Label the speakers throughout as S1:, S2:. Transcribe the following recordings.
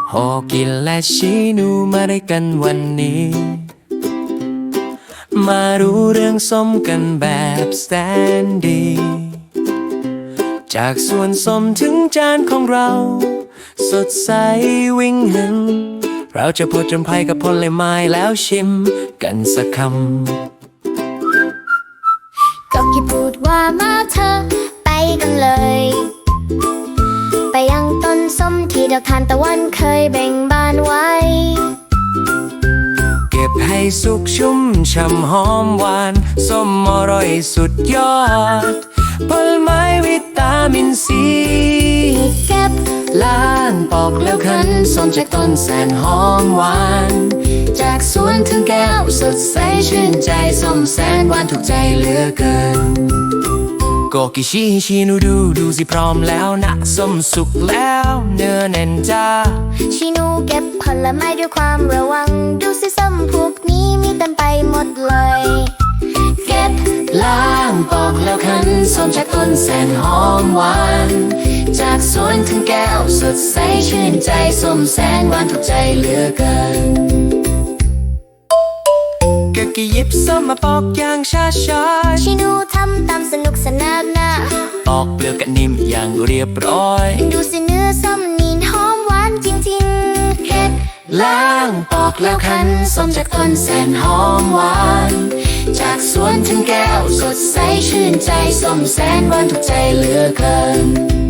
S1: ฮอกินและชีนูมาได้กันวันนี้มารู้เรื่องส้มกันแบบสแตนดีจากส่วนส้มถึงจานของเราสดใสวิ่งหนึ่งเราจะพูดจนภัยกับผลไม้แล้วชิมกันสักค
S2: ำก็คิดพูดว่ามาเธอไปกันเลยไปยังต้นส้มที่ดอกทานตะวันเคยแบ่งบานไว้
S1: เก็บให้สุกชุ่มช่ำหอมหวานส้มอร่อยสุดยอดผลไม้วิตามินซี
S2: เก็บ
S1: ล้างปอกแล้วคั้นส้มจากต้นแสนหอมหวานจากสวนถึงแก้วสดใสชื่นใจส้มแสนหวานถูกใจเหลือเกินโกกิชินูดูสิพร้อมแล้วนะส้มสุกแล้วเนื้อแน่นจ้า
S2: ชินูเก็บผลไม้ด้วยความระวังดูสิส้มพวกนี้มีเต็มไปหมดเลยเก็บ
S1: ล้างปอกแล้วคั้นส้มจากต้นแสนหอมหวานจากสวนถึงแก้วสดใสชื่นใจส้มแสนหวานถูกใจเหลือเกินกะกิหยิบส้มมาปอกอย่างช้า
S2: ชินูทำตามสนุกสนานนะ
S1: ปอกเปลือกกะนิ่มอย่างเรียบร้อย
S2: ดูสิเนื้อส้มนี่หอมหวานจริงๆเก็บ
S1: ล้างปอกแล้วคั้นส้มจากต้นแสนหอมหวานจากสวนถึงแก้วสดใสชื่นใจส้มแสนหวานถูกใจเหลือเกิน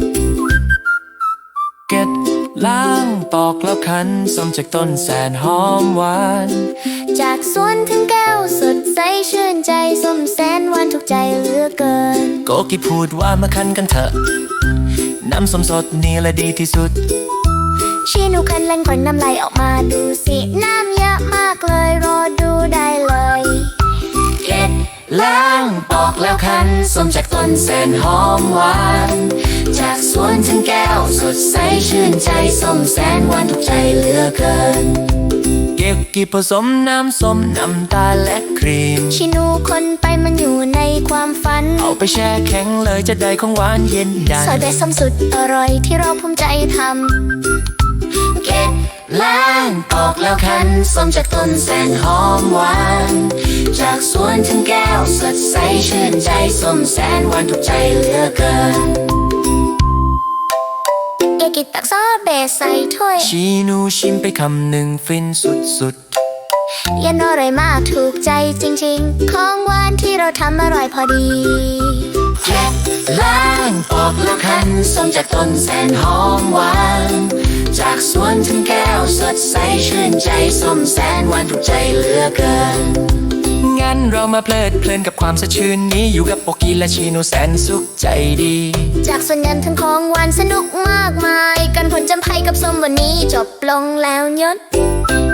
S1: เก็บล้างปอกแล้วคั้นส้มจากต้นแสนหอมหวาน
S2: จากสวนถึงแก้วสดใสชื่นใจส้มแสนหวานถูกใจเหลือเกิน
S1: โกกิพูดว่ามาคั้นกันเถอะน้ำส้มสดนี่แหละดีที่สุด
S2: ชินูคั้นเล่นควันน้ำลายออกมาดูสิน้ำเยอะมากเลยรอดูได้เลย
S1: เก็บล้างปอกแล้วคั้นส้มจากต้นแสนหอมหวานจากสวนถึงแก้วสดใสชื่นใจส้มแสนหวานถูกใจเหลือเกินเก็บกี่ผสมน้ำส้มน้ำตาลและครีม
S2: ชินูคนไปมันอยู่ในความฝัน
S1: เอาไปแช่แข็งเลยจะได้ของหวานเย็นดัน
S2: ซอยเบสส้มสุดอร่อยที่เราภูมิใจทำ
S1: เก็บล้างปอกแล้วคั้นส้มจากต้นแสนหอมหวานจากสวนถึงแก้วสดใสชื่นใจส้มแสนหวานถูกใจเหลือเกิน
S2: เอกิตักซอสเบสใส่ถ้วย
S1: ชีนูชิมไปคำหนึ่งฟินสุด
S2: ๆยันอร่อยมากถูกใจจริงๆของหวานที่เราทำอร่อยพอดี
S1: เก็บล้างปอกแล้วคั้นส้มจากต้นแสนหอมหวานจากสวนถึงแก้วสดใสชื่นใจส้มแสนหวานถูกใจเหลือเกินงั้นเรามาเพลิดเพลินกับความสดชื่นนี้อยู่กับโปกิและชินูแสนสุขใจดี
S2: จากส่วนยันถึงของหวานสนุกมากมายกันผลจำไพกับส้มวันนี้จบลงแล้วยศ